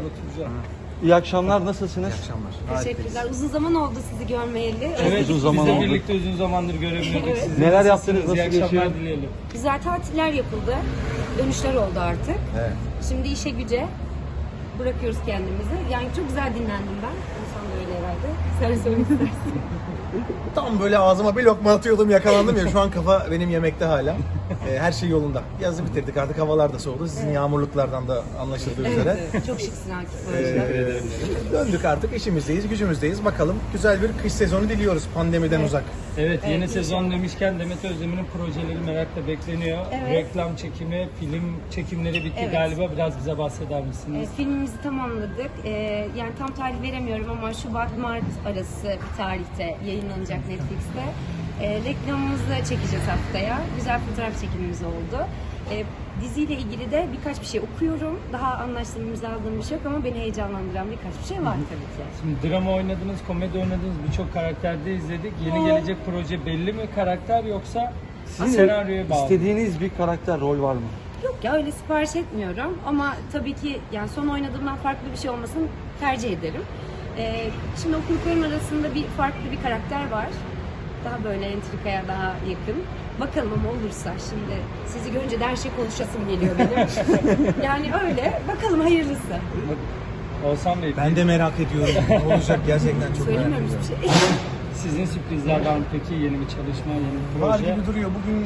oturacağım. İyi akşamlar, nasılsınız? İyi akşamlar. Teşekkürler. Uzun zaman oldu sizi görmeyeli. Evet, uzun zaman biz de oldu. birlikte uzun zamandır göremiyorduk Evet. sizi. Neler Nasılsınız? yaptınız, nasıl İyi akşamlar geçiyor? dileyelim. Güzel tatiller yapıldı. Dönüşler oldu artık. Evet. Şimdi işe güce bırakıyoruz kendimizi. Yani çok güzel dinlendim ben. İnsan da öyle herhalde. Sen söylemek istersin. Tam böyle ağzıma bir lokma atıyordum, yakalandım ya. Şu an kafa benim yemekte hala. Her şey yolunda. Yazı bitirdik, artık havalar da soğudu. Sizin yağmurluklardan da anlaşıldığı üzere. Evet, çok şıksın Akif. bu arada. Döndük artık, işimizdeyiz, gücümüzdeyiz. Bakalım güzel bir kış sezonu diliyoruz pandemiden uzak. Evet, yeni Evet, sezon demişken Demet Özdemir'in projeleri merakla bekleniyor. Evet. Reklam çekimi, film çekimleri bitti Evet. galiba. Biraz bize bahseder misiniz? Filmimizi tamamladık. Yani tam tarih veremiyorum ama Şubat-Mart arası bir tarihte yayınlanacak Netflix'te. Reklamımızı çekeceğiz haftaya. Güzel fotoğraf çekimimiz oldu. Diziyle ilgili de birkaç bir şey okuyorum. Daha anlaştığım, imzaladığım bir şey yok ama beni heyecanlandıran birkaç bir şey var tabii ki. Şimdi drama oynadınız, komedi oynadınız, birçok karakterde izledik. Yeni gelecek proje belli mi karakter yoksa senaryoya bağlı? İstediğiniz bir karakter, rol var mı? Yok ya, öyle sipariş etmiyorum ama tabii ki yani son oynadığımdan farklı bir şey olmasını tercih ederim. Şimdi okuduklarım arasında farklı bir karakter var. Daha böyle entrikaya daha yakın. Bakalım ama olursa, şimdi sizi görünce de her şey konuşasım geliyor benim. Yani öyle, bakalım hayırlısı. Oğuzhan Bey, Ben de merak ediyorum. Ne olacak gerçekten, çok merak Söylemiyorum ediyorum. hiçbir şey. sizin sürprizler var mı peki? Yeni bir çalışma, yeni bir Var proje? gibi duruyor. Bugün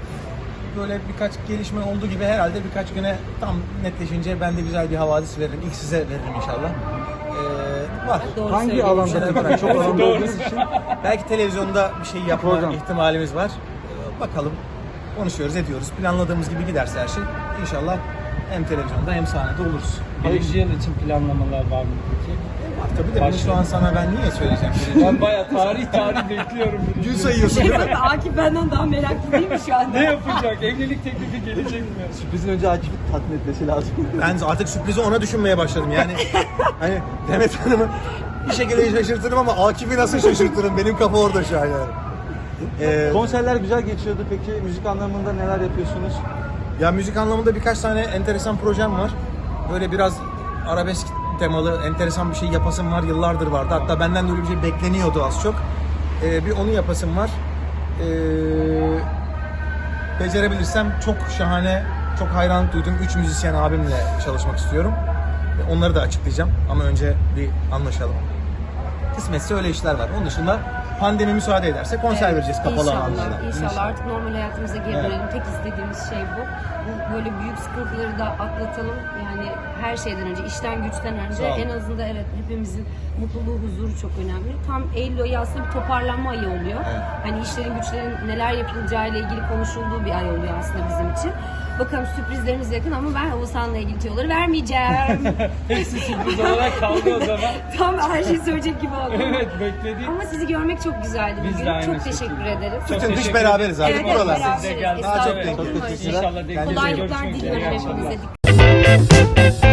böyle birkaç gelişme olduğu gibi herhalde birkaç güne tam netleşince ben de güzel bir havadis veririm. İlk size veririm inşallah. Var. Doğru Hangi söylüyorsun. alanda peki? Çok alanda olduğunuz için Belki televizyonda bir şey yapma Program. ihtimalimiz var. Bakalım. Konuşuyoruz, ediyoruz. Planladığımız gibi giderse her şey inşallah hem televizyonda hem sahnede oluruz. Birinci yıl için planlamalar var mı peki? Var tabii de bunu şu an sana ben niye söyleyeceğim? Ben bayağı tarih bekliyorum. Gün sayıyorsun değil mi? Tabii Akif benden daha meraklı değil mi şu anda? Ne yapacak? Evlilik teklifi gelecek mi? sürprizin önce Akif'i tatmin etmesi lazım. Ben artık sürprizi ona düşünmeye başladım. Yani hani Demet Hanım'ı bir şekilde şaşırtırım ama Akif'i nasıl şaşırtırım? Benim kafa orada şu an yani. Konserler güzel geçiyordu peki, müzik anlamında neler yapıyorsunuz? Ya müzik anlamında birkaç tane enteresan projem var. Böyle biraz arabesk temalı enteresan bir şey yapasım var. Yıllardır vardı. Hatta benden de öyle bir şey bekleniyordu az çok. Bir onu yapasım var. Becerebilirsem çok şahane, çok hayranlık duyduğum 3 müzisyen abimle çalışmak istiyorum. Onları da açıklayacağım ama önce bir anlaşalım. Kısmetse öyle işler var. Onun dışında pandemi müsaade ederse konser vereceğiz kapalı alanlarda. İnşallah artık normal hayatımıza geri Evet. dönelim. Tek istediğimiz şey bu. Böyle büyük sıkıntıları da atlatalım. Yani her şeyden önce, işten güçten önce Sağ olun. en azından evet hepimizin mutluluğu, huzuru çok önemli. Tam Eylül ayı aslında bir toparlanma ayı oluyor. Evet. Hani işlerin güçlerin neler yapılacağı ile ilgili konuşulduğu bir ay oluyor aslında bizim için. Bakalım sürprizlerimiz yakın ama ben Oğuzhan'la ilgili tüyoları vermeyeceğim. Hepsi sürpriz olarak kaldı o zaman. Tam her şeyi söyleyecek gibi oldum. Evet, bekledik. Ama sizi görmek çok güzeldi Biz de bugün. aynı Çok şekilde. teşekkür ederiz. Çok Bütün dış teşekkür beraberiz ederim. artık Evet, buralar. beraberiz. Siz de geldiniz. Estağfurullah. Evet. Çok teşekkürler. İnşallah denk Kendinize iyi gelir. Kolaylıklar Görüşmek üzere. diliyorum İyi akşamlar. hepinize.